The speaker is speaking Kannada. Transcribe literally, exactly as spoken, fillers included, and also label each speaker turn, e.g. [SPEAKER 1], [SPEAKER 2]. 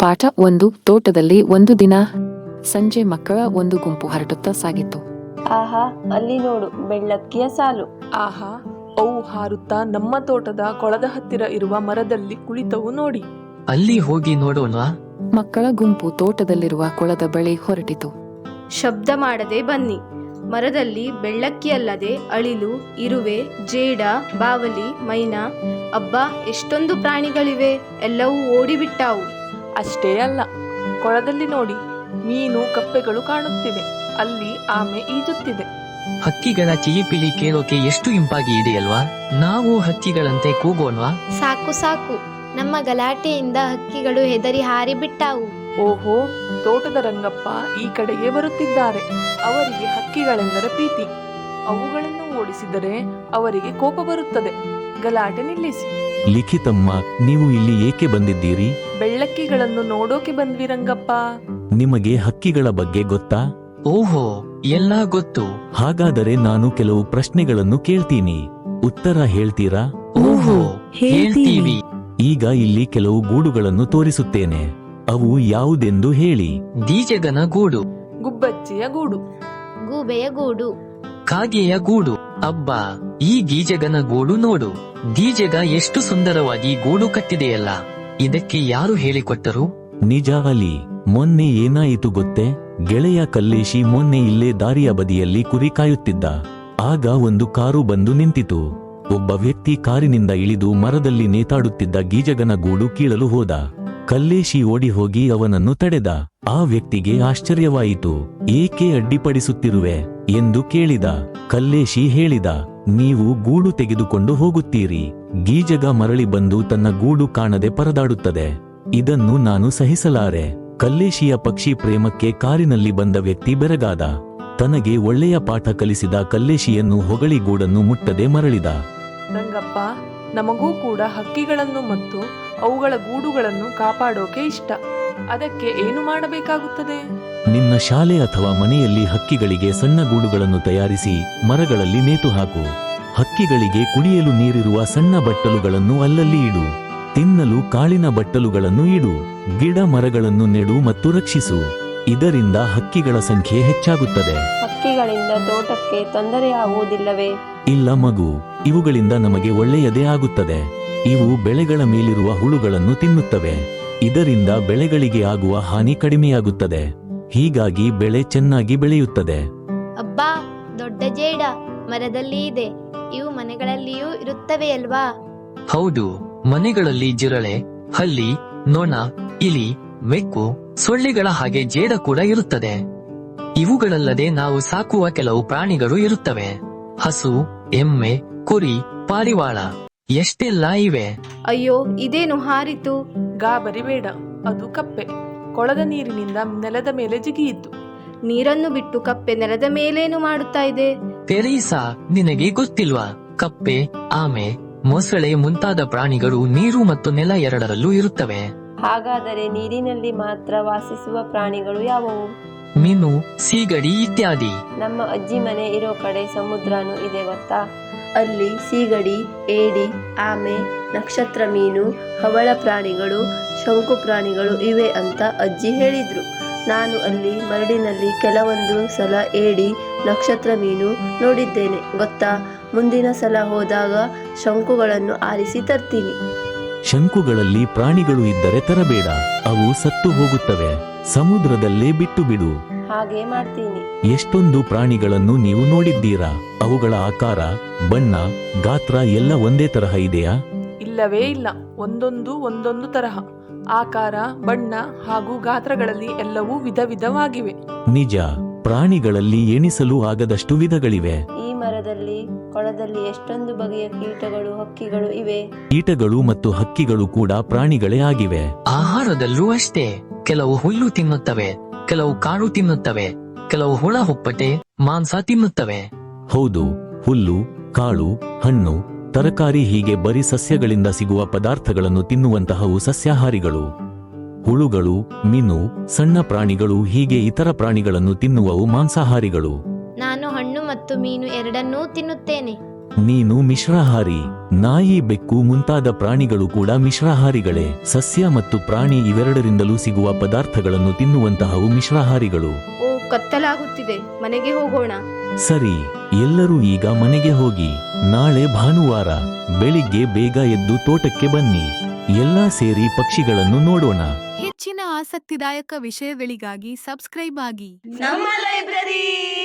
[SPEAKER 1] ಪಾಠ ಒಂದು. ತೋಟದಲ್ಲಿ ಒಂದು ದಿನ ಸಂಜೆ ಮಕ್ಕಳ ಒಂದು ಗುಂಪು ಹರಡುತ್ತಾ ಸಾಗಿತು.
[SPEAKER 2] ಆಹಾ, ಅಲ್ಲಿ ನೋಡು, ಬೆಳ್ಳಕ್ಕಿಯ ಸಾಲು.
[SPEAKER 3] ಆಹಾ, ಅವು ಹಾರುತ್ತಾ ನಮ್ಮ ತೋಟದ ಕೊಳದ ಹತ್ತಿರ ಇರುವ ಮರದಲ್ಲಿ ಕುಳಿತವು ನೋಡಿ.
[SPEAKER 4] ಅಲ್ಲಿ ಹೋಗಿ ನೋಡೋಣ.
[SPEAKER 1] ಮಕ್ಕಳ ಗುಂಪು ತೋಟದಲ್ಲಿರುವ ಕೊಳದ ಬಳಿ ಹೊರಟಿತು.
[SPEAKER 5] ಶಬ್ದ ಮಾಡದೆ ಬನ್ನಿ. ಮರದಲ್ಲಿ ಬೆಳ್ಳಕ್ಕಿಯಲ್ಲದೆ ಅಳಿಲು, ಇರುವೆ, ಜೇಡ, ಬಾವಲಿ, ಮೈನಾ, ಅಬ್ಬಾ ಎಷ್ಟೊಂದು ಪ್ರಾಣಿಗಳಿವೆ. ಎಲ್ಲವೂ ಓಡಿಬಿಟ್ಟಾವು.
[SPEAKER 3] ಅಷ್ಟೇ ಅಲ್ಲ, ಕೊಳದಲ್ಲಿ ನೋಡಿ, ಮೀನು ಕಪ್ಪೆಗಳು ಕಾಣುತ್ತಿವೆ. ಅಲ್ಲಿ ಆಮೆ ಈಜುತ್ತಿದೆ.
[SPEAKER 4] ಹಕ್ಕಿಗಳ ಚಿಲಿಪಿಲಿ ಕೇಳೋಕೆ ಎಷ್ಟು ಇಂಪಾಗಿ ಇದೆಯಲ್ವಾ? ನಾವು ಹಕ್ಕಿಗಳಂತೆ ಕೂಗೋಣ್ವಾ?
[SPEAKER 6] ಸಾಕು ಸಾಕು, ನಮ್ಮ ಗಲಾಟೆಯಿಂದ ಹಕ್ಕಿಗಳು ಹೆದರಿ ಹಾರಿಬಿಟ್ಟಾವು.
[SPEAKER 3] ಓಹೋ, ತೋಟದ ರಂಗಪ್ಪ ಈ ಕಡೆಗೆ ಬರುತ್ತಿದ್ದಾರೆ. ಅವರಿಗೆ ಹಕ್ಕಿಗಳೆಂದರೆ ಪ್ರೀತಿ. ಅವುಗಳನ್ನು ಓಡಿಸಿದರೆ ಅವರಿಗೆ ಕೋಪ ಬರುತ್ತದೆ. ಗಲಾಟೆ ನಿಲ್ಲಿಸಿ.
[SPEAKER 7] ಲಿಖಿತಮ್ಮ, ನೀವು ಇಲ್ಲಿ ಏಕೆ ಬಂದಿದ್ದೀರಿ?
[SPEAKER 3] ಬೆಳ್ಳಕ್ಕಿಗಳನ್ನು ನೋಡೋಕೆ ಬಂದ್ವಿ ರಂಗಪ್ಪ.
[SPEAKER 7] ನಿಮಗೆ ಹಕ್ಕಿಗಳ ಬಗ್ಗೆ ಗೊತ್ತಾ?
[SPEAKER 4] ಓಹೋ, ಎಲ್ಲ ಗೊತ್ತು.
[SPEAKER 7] ಹಾಗಾದರೆ ನಾನು ಕೆಲವು ಪ್ರಶ್ನೆಗಳನ್ನು ಕೇಳ್ತೀನಿ, ಉತ್ತರ ಹೇಳ್ತೀರಾ?
[SPEAKER 4] ಓಹೋ, ಹೇಳ್ತೀವಿ.
[SPEAKER 7] ಈಗ ಇಲ್ಲಿ ಕೆಲವು ಗೂಡುಗಳನ್ನು ತೋರಿಸುತ್ತೇನೆ. ಅವು ಯಾವುದೆಂದು ಹೇಳಿ.
[SPEAKER 4] ದೀಜಗನ ಗೂಡು,
[SPEAKER 3] ಗುಬ್ಬಚ್ಚಿಯ ಗೂಡು,
[SPEAKER 6] ಗೂಬೆಯ ಗೂಡು,
[SPEAKER 4] ಕಾಗೆಯ ಗೂಡು. ಅಬ್ಬಾ, ಈ ಗೀಜಗನ ಗೂಡು ನೋಡು. ದೀಜಗ ಎಷ್ಟು ಸುಂದರವಾಗಿ ಗೂಡು ಕಟ್ಟಿದೆಯಲ್ಲ. ಇದಕ್ಕೆ ಯಾರು ಹೇಳಿಕೊಟ್ಟರು?
[SPEAKER 7] ನಿಜ ಅಲಿ. ಮೊನ್ನೆ ಏನಾಯಿತು ಗೊತ್ತೇ? ಗೆಳೆಯ ಕಲ್ಲೇಶಿ ಮೊನ್ನೆ ಇಲ್ಲೇ ದಾರಿಯ ಬದಿಯಲ್ಲಿ ಕುರಿ ಕಾಯುತ್ತಿದ್ದ. ಆಗ ಒಂದು ಕಾರು ಬಂದು ನಿಂತಿತು. ಒಬ್ಬ ವ್ಯಕ್ತಿ ಕಾರಿನಿಂದ ಇಳಿದು ಮರದಲ್ಲಿ ನೇತಾಡುತ್ತಿದ್ದ ಗೀಜಗನ ಗೂಡು ಕೀಳಲು ಹೋದ. ಕಲ್ಲೇಶಿ ಓಡಿ ಹೋಗಿ ಅವನನ್ನು ತಡೆದ. ಆ ವ್ಯಕ್ತಿಗೆ ಆಶ್ಚರ್ಯವಾಯಿತು. ಏಕೆ ಅಡ್ಡಿಪಡಿಸುತ್ತಿರುವೆ ಎಂದು ಕೇಳಿದ. ಕಲ್ಲೇಶಿ ಹೇಳಿದ, ನೀವು ಗೂಡು ತೆಗೆದುಕೊಂಡು ಹೋಗುತ್ತೀರಿ. ಗೀಜಗ ಮರಳಿ ಬಂದು ತನ್ನ ಗೂಡು ಕಾಣದೆ ಪರದಾಡುತ್ತದೆ. ಇದನ್ನು ನಾನು ಸಹಿಸಲಾರೆ. ಕಲ್ಲೇಶಿಯ ಪಕ್ಷಿ ಪ್ರೇಮಕ್ಕೆ ಕಾರಿನಲ್ಲಿ ಬಂದ ವ್ಯಕ್ತಿ ಬೆರಗಾದ. ತನಗೆ ಒಳ್ಳೆಯ ಪಾಠ ಕಲಿಸಿದ ಕಲ್ಲೇಶಿಯನ್ನು ಹೊಗಳಿ ಗೂಡನ್ನು ಮುಟ್ಟದೆ ಮರಳಿದ.
[SPEAKER 3] ರಂಗಪ್ಪ, ನಮಗೂ ಕೂಡ ಹಕ್ಕಿಗಳನ್ನು ಮತ್ತು ಅವುಗಳ ಗೂಡುಗಳನ್ನು ಕಾಪಾಡೋಕೆ ಇಷ್ಟ. ಅದಕ್ಕೆ ಏನು ಮಾಡಬೇಕಾಗುತ್ತದೆ?
[SPEAKER 7] ನಿನ್ನ ಶಾಲೆ ಅಥವಾ ಮನೆಯಲ್ಲಿ ಹಕ್ಕಿಗಳಿಗೆ ಸಣ್ಣ ಗೂಡುಗಳನ್ನು ತಯಾರಿಸಿ ಮರಗಳಲ್ಲಿ ನೇತು ಹಾಕು. ಹಕ್ಕಿಗಳಿಗೆ ಕುಡಿಯಲು ನೀರಿರುವ ಸಣ್ಣ ಬಟ್ಟಲುಗಳನ್ನು ಅಲ್ಲಲ್ಲಿ ಇಡು. ತಿನ್ನಲು ಕಾಳಿನ ಬಟ್ಟಲುಗಳನ್ನು ಇಡು. ಗಿಡ ಮರಗಳನ್ನು ನೆಡು ಮತ್ತು ರಕ್ಷಿಸು. ಇದರಿಂದ ಹಕ್ಕಿಗಳ ಸಂಖ್ಯೆ ಹೆಚ್ಚಾಗುತ್ತದೆ.
[SPEAKER 2] ಹಕ್ಕಿಗಳಿಂದ ತೋಟಕ್ಕೆ ತೊಂದರೆಯಾಗುವುದಿಲ್ಲವೇ?
[SPEAKER 7] ಇಲ್ಲ ಮಗು, ಇವುಗಳಿಂದ ನಮಗೆ ಒಳ್ಳೆಯದೇ ಆಗುತ್ತದೆ. ಇವು ಬೆಳೆಗಳ ಮೇಲಿರುವ ಹುಳುಗಳನ್ನು ತಿನ್ನುತ್ತವೆ. ಇದರಿಂದ ಬೆಳೆಗಳಿಗೆ ಆಗುವ ಹಾನಿ ಕಡಿಮೆಯಾಗುತ್ತದೆ. ಹೀಗಾಗಿ ಬೆಳೆ ಚೆನ್ನಾಗಿ ಬೆಳೆಯುತ್ತದೆ.
[SPEAKER 6] ಅಬ್ಬಾ, ದೊಡ್ಡ ಜೇಡ ಮರದಲ್ಲಿ ಇದೆ. ಇವು ಮನೆಗಳಲ್ಲಿಯೂ ಇರುತ್ತವೆಯಲ್ವಾ?
[SPEAKER 4] ಹೌದು, ಮನೆಗಳಲ್ಲಿ ಜಿರಳೆ, ಹಲ್ಲಿ, ನೊಣ, ಇಲಿ, ಬೆಕ್ಕು, ಸೊಳ್ಳೆಗಳ ಹಾಗೆ ಜೇಡ ಕೂಡ ಇರುತ್ತದೆ. ಇವುಗಳಲ್ಲದೆ ನಾವು ಸಾಕುವ ಕೆಲವು ಪ್ರಾಣಿಗಳು ಇರುತ್ತವೆ. ಹಸು, ಎಮ್ಮೆ, ಕುರಿ, ಪಾರಿವಾಳ, ಎಷ್ಟೆಲ್ಲ ಇವೆ.
[SPEAKER 5] ಅಯ್ಯೋ, ಇದೇನು ಹಾರಿತು?
[SPEAKER 3] ಗಾಬರಿ ಬೇಡ, ಅದು ಕಪ್ಪೆ. ಕೊಳದ ನೀರಿನಿಂದ ನೆಲದ ಮೇಲೆ ಜಿಗಿಯಿತು.
[SPEAKER 5] ನೀರನ್ನು ಬಿಟ್ಟು ಕಪ್ಪೆ ನೆಲದ ಮೇಲೇನು ಮಾಡುತ್ತಾ ಇದೆ?
[SPEAKER 4] ಪೆರೀಸಾ, ನಿನಗೆ ಗೊತ್ತಿಲ್ವಾ? ಕಪ್ಪೆ, ಆಮೆ, ಮೊಸಳೆ ಮುಂತಾದ ಪ್ರಾಣಿಗಳು ನೀರು ಮತ್ತು ನೆಲ ಎರಡರಲ್ಲೂ ಇರುತ್ತವೆ.
[SPEAKER 2] ಹಾಗಾದರೆ ನೀರಿನಲ್ಲಿ ಮಾತ್ರ ವಾಸಿಸುವ ಪ್ರಾಣಿಗಳು ಯಾವುವು?
[SPEAKER 4] ಮೀನು, ಸೀಗಡಿ ಇತ್ಯಾದಿ.
[SPEAKER 2] ನಮ್ಮ ಅಜ್ಜಿ ಮನೆ ಇರೋ ಕಡೆ ಸಮುದ್ರನೂ ಇದೆ ಗೊತ್ತಾ? ಅಲ್ಲಿ ಸೀಗಡಿ, ಏಡಿ, ಆಮೆ, ನಕ್ಷತ್ರ ಮೀನು, ಹವಳ ಪ್ರಾಣಿಗಳು, ಶಂಕು ಪ್ರಾಣಿಗಳು ಇವೆ ಅಂತ ಅಜ್ಜಿ ಹೇಳಿದ್ರು. ನಾನು ಅಲ್ಲಿ ಮರಡಿನಲ್ಲಿ ಕೆಲವೊಂದು ಸಲ ಏಡಿ, ನಕ್ಷತ್ರ ಮೀನು ನೋಡಿದ್ದೇನೆ ಗೊತ್ತಾ? ಮುಂದಿನ ಸಲ ಹೋದಾಗ ಶಂಕುಗಳನ್ನು ಆರಿಸಿ ತರ್ತೀನಿ.
[SPEAKER 7] ಶಂಕುಗಳಲ್ಲಿ ಪ್ರಾಣಿಗಳು ಇದ್ದರೆ ತರಬೇಡ, ಅವು ಸತ್ತು ಹೋಗುತ್ತವೆ. ಸಮುದ್ರದಲ್ಲೇ ಬಿಟ್ಟು ಬಿಡು.
[SPEAKER 2] ಹಾಗೆ ಮಾಡ್ತೀನಿ.
[SPEAKER 7] ಎಷ್ಟೊಂದು ಪ್ರಾಣಿಗಳನ್ನು ನೀವು ನೋಡಿದ್ದೀರಾ? ಅವುಗಳ ಆಕಾರ, ಬಣ್ಣ, ಗಾತ್ರ ಎಲ್ಲ ಒಂದೇ ತರಹ ಇದೆಯಾ?
[SPEAKER 3] ಇಲ್ಲವೇ ಇಲ್ಲ, ಒಂದೊಂದು ಒಂದೊಂದು ತರಹ. ಆಕಾರ, ಬಣ್ಣ ಹಾಗೂ ಗಾತ್ರಗಳಲ್ಲಿ ಎಲ್ಲವೂ ವಿಧ ವಿಧವಾಗಿವೆ.
[SPEAKER 7] ನಿಜ, ಪ್ರಾಣಿಗಳಲ್ಲಿ ಎಣಿಸಲು ಆಗದಷ್ಟು ವಿಧಗಳಿವೆ.
[SPEAKER 2] ಈ ಮರದಲ್ಲಿ, ಕೊಳದಲ್ಲಿ ಎಷ್ಟೊಂದು ಬಗೆಯ ಕೀಟಗಳು, ಹಕ್ಕಿಗಳು ಇವೆ.
[SPEAKER 7] ಕೀಟಗಳು ಮತ್ತು ಹಕ್ಕಿಗಳು ಕೂಡ ಪ್ರಾಣಿಗಳೇ ಆಗಿವೆ.
[SPEAKER 4] ಆಹಾರದಲ್ಲೂ ಅಷ್ಟೇ. ಕೆಲವು ಹುಲ್ಲು ತಿನ್ನುತ್ತವೆ, ಕೆಲವು ಕಾಳು ತಿನ್ನುತ್ತವೆ, ಕೆಲವು ಹುಳ ಹುಪ್ಪಟೆ, ಮಾಂಸ ತಿನ್ನುತ್ತವೆ.
[SPEAKER 7] ಹೌದು, ಹುಲ್ಲು, ಕಾಳು, ಹಣ್ಣು, ತರಕಾರಿ ಹೀಗೆ ಬರೀ ಸಸ್ಯಗಳಿಂದ ಸಿಗುವ ಪದಾರ್ಥಗಳನ್ನು ತಿನ್ನುವಂತಹವು ಸಸ್ಯಾಹಾರಿಗಳು. ಹುಳುಗಳು, ಮೀನು, ಸಣ್ಣ ಪ್ರಾಣಿಗಳು ಹೀಗೆ ಇತರ ಪ್ರಾಣಿಗಳನ್ನು ತಿನ್ನುವವು ಮಾಂಸಾಹಾರಿಗಳು.
[SPEAKER 6] ನಾನು ಹಣ್ಣು ಮತ್ತು ಮೀನು ಎರಡನ್ನೂ ತಿನ್ನುತ್ತೇನೆ.
[SPEAKER 7] ನೀನು ಮಿಶ್ರಾಹಾರಿ. ನಾಯಿ, ಬೆಕ್ಕು ಮುಂತಾದ ಪ್ರಾಣಿಗಳು ಕೂಡ ಮಿಶ್ರಾಹಾರಿಗಳೇ. ಸಸ್ಯ ಮತ್ತು ಪ್ರಾಣಿ ಇವೆರಡರಿಂದಲೂ ಸಿಗುವ ಪದಾರ್ಥಗಳನ್ನು ತಿನ್ನುವಂತಹವು ಮಿಶ್ರಾಹಾರಿಗಳು.
[SPEAKER 5] ಓ, ಕತ್ತಲಾಗುತ್ತಿದೆ, ಮನೆಗೆ ಹೋಗೋಣ.
[SPEAKER 7] ಸರಿ, ಎಲ್ಲರೂ ಈಗ ಮನೆಗೆ ಹೋಗಿ. ನಾಳೆ ಭಾನುವಾರ ಬೆಳಿಗ್ಗೆ ಬೇಗ ಎದ್ದು ತೋಟಕ್ಕೆ ಬನ್ನಿ. ಎಲ್ಲಾ ಸೇರಿ ಪಕ್ಷಿಗಳನ್ನು ನೋಡೋಣ.
[SPEAKER 8] ಹೆಚ್ಚಿನ ಆಸಕ್ತಿದಾಯಕ ವಿಷಯಗಳಿಗಾಗಿ ಸಬ್ಸ್ಕ್ರೈಬ್ ಆಗಿ.
[SPEAKER 2] ನಮ್ಮ ಲೈಬ್ರರಿ.